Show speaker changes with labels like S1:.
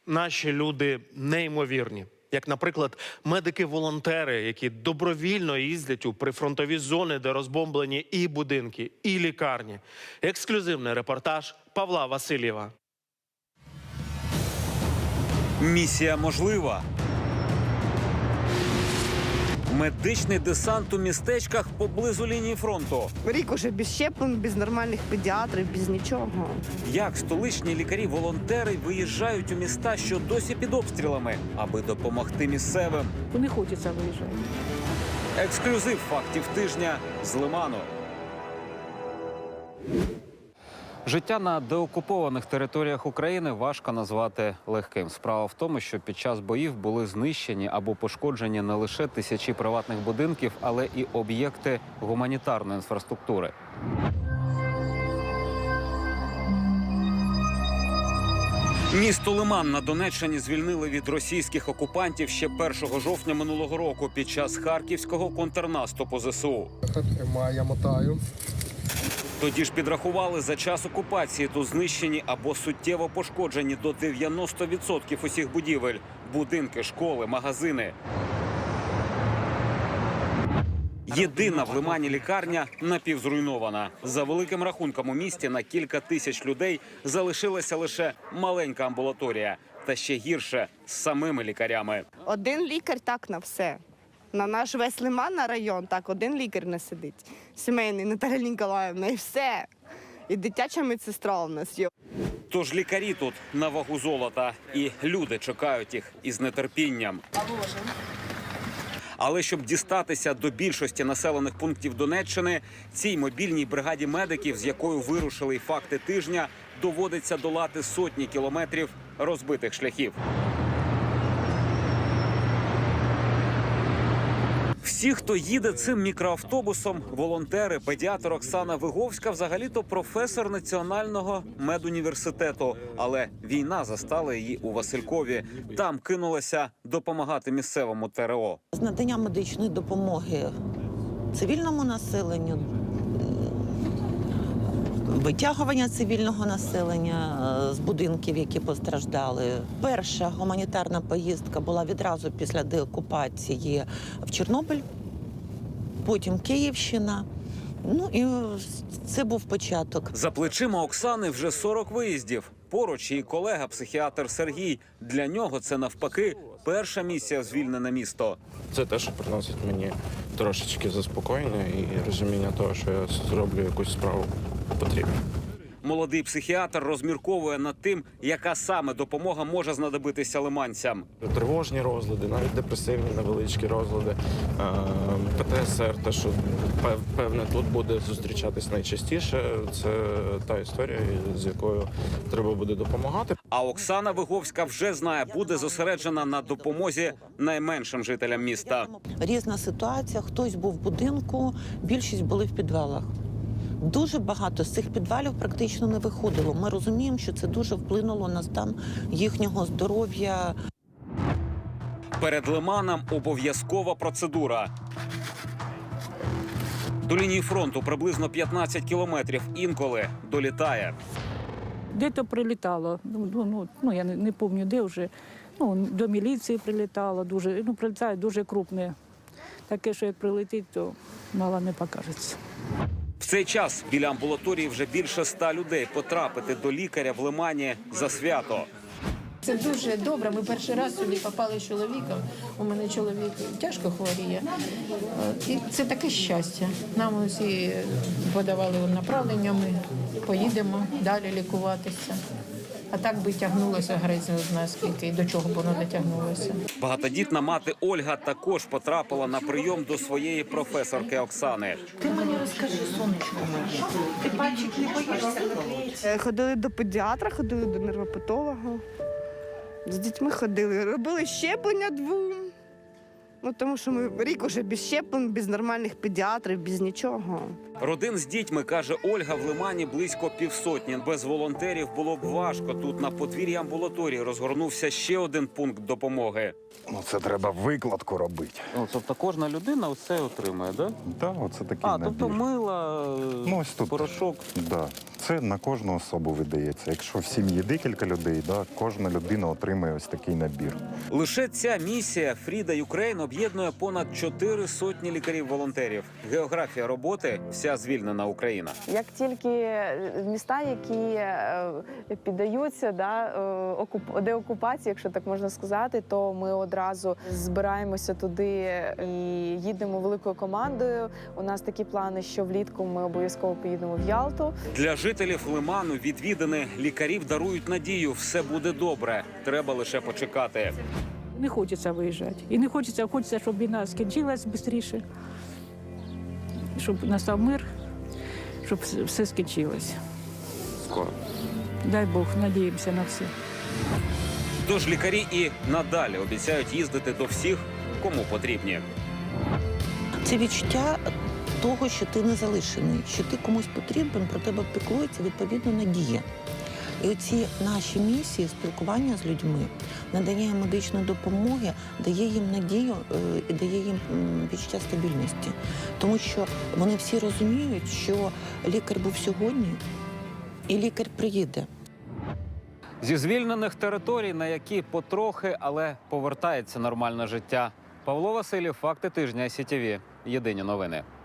S1: Наші люди неймовірні. Як, наприклад, медики-волонтери, які добровільно їздять у прифронтові зони, де розбомблені і будинки, і лікарні. Ексклюзивний репортаж Павла Васильєва.
S2: Місія можлива. Медичний десант у містечках поблизу лінії фронту.
S3: Рік уже без щеплень, без нормальних педіатрів, без нічого.
S2: Як столичні лікарі-волонтери виїжджають у міста, що досі під обстрілами, аби допомогти місцевим.
S4: Не хочеться виїжджати.
S2: Ексклюзив фактів тижня з Лиману. Життя на деокупованих територіях України важко назвати легким. Справа в тому, що під час боїв були знищені або пошкоджені не лише тисячі приватних будинків, але і об'єкти гуманітарної інфраструктури. Місто Лиман на Донеччині звільнили від російських окупантів ще 1 жовтня минулого року під час харківського контрнаступу ЗСУ.
S5: Я мотаю.
S2: Тоді ж підрахували, за час окупації тут знищені або суттєво пошкоджені до 90% усіх будівель – будинки, школи, магазини. Єдина в Лимані лікарня напівзруйнована. За великим рахунком у місті на кілька тисяч людей залишилася лише маленька амбулаторія. Та ще гірше – з самими лікарями.
S3: Один лікар так на все. На наш весь Лиман, на район, так один лікар не сидить. Сімейний, Наталя Ніколаївна, і все. І дитяча медсестра у нас є.
S2: Тож лікарі тут на вагу золота. І люди чекають їх із нетерпінням. Але щоб дістатися до більшості населених пунктів Донеччини, цій мобільній бригаді медиків, з якою вирушили й факти тижня, доводиться долати сотні кілометрів розбитих шляхів. Всі, хто їде цим мікроавтобусом, волонтери, педіатр Оксана Виговська, взагалі-то професор Національного медуніверситету. Але війна застала її у Василькові. Там кинулася допомагати місцевому ТРО.
S6: З надання медичної допомоги цивільному населенню, витягування цивільного населення з будинків, які постраждали. Перша гуманітарна поїздка була відразу після деокупації в Чорнобиль, потім Київщина. Ну і це був початок.
S2: За плечима Оксани вже 40 виїздів. Поруч її колега-психіатр Сергій. Для нього це навпаки перша місія в звільнене місто.
S7: Це те, що приносить мені трошечки заспокоєння і розуміння того, що я зроблю якусь справу потрібну.
S2: Молодий психіатр розмірковує над тим, яка саме допомога може знадобитися лиманцям.
S7: Тривожні розлади, навіть депресивні невеличкі розлади, ПТСР, те, що певне тут буде зустрічатись найчастіше, це та історія, з якою треба буде допомагати.
S2: А Оксана Виговська вже знає, буде зосереджена на допомозі найменшим жителям міста.
S6: Різна ситуація, хтось був в будинку, більшість були в підвалах. Дуже багато з цих підвалів практично не виходило. Ми розуміємо, що це дуже вплинуло на стан їхнього здоров'я.
S2: Перед Лиманом обов'язкова процедура. До лінії фронту приблизно 15 кілометрів, інколи долітає.
S4: Де-то прилітало, я не пам'ятаю, де вже. До міліції прилітало, прилітає дуже крупне. Таке, що як прилетить, то мало не покажеться.
S2: В цей час біля амбулаторії вже більше 100 людей. Потрапити до лікаря в Лимані за свято.
S8: Це дуже добре. Ми перший раз сюди попали з чоловіком. У мене чоловік тяжко хворіє. І це таке щастя. Нам усі подавали направлення, ми поїдемо далі лікуватися. А так би тягнулося грець не знаю скільки і до чого б воно дотягнулося.
S2: Багатодітна мати Ольга також потрапила на прийом до своєї професорки Оксани.
S6: Ти мені розкажи, сонечко моє, ти пальчик не боїшся?
S3: Ходили до педіатра, ходили до нервопатолога. З дітьми ходили, робили щеплення 2. Тому що ми рік уже без щеплень, без нормальних педіатрів, без нічого.
S2: Родин з дітьми, каже Ольга, в Лимані близько 500. Без волонтерів було б важко. Тут на подвір'ї амбулаторії розгорнувся ще один пункт допомоги.
S5: Це треба викладку робити.
S2: Тобто кожна людина все отримує, так?
S5: Так, оце такий
S2: тобто мило,
S5: ось тут.
S2: порошок.
S5: Да. Це на кожну особу видається. Якщо в сім'ї декілька людей, да, кожна людина отримує ось такий набір.
S2: Лише ця місія Фріда Юкрейн об'єднує понад 400 лікарів-волонтерів. Географія роботи – вся звільнена Україна.
S9: Як тільки міста, які піддаються деокупації, якщо так можна сказати, то ми одразу збираємося туди і їдемо великою командою. У нас такі плани, що влітку ми обов'язково поїдемо в Ялту.
S2: Для жителів Лиману відвідини лікарів дарують надію – все буде добре. Треба лише почекати.
S4: Не хочеться виїжджати. І не хочеться, щоб війна скінчилась швидше, щоб настав мир, щоб все скінчилось.
S2: Скоро.
S4: Дай Бог, надіємося на все.
S2: Тож лікарі і надалі обіцяють їздити до всіх, кому потрібні.
S6: Це відчуття того, що ти не залишений, що ти комусь потрібен, про тебе піклується, відповідно, надія. І оці наші місії, спілкування з людьми, надання медичної допомоги, дає їм надію і дає їм відчуття стабільності. Тому що вони всі розуміють, що лікар був сьогодні, і лікар приїде.
S2: Зі звільнених територій, на які потрохи, але повертається нормальне життя. Павло Васильєв, факти тижня СІТВ. Єдині новини.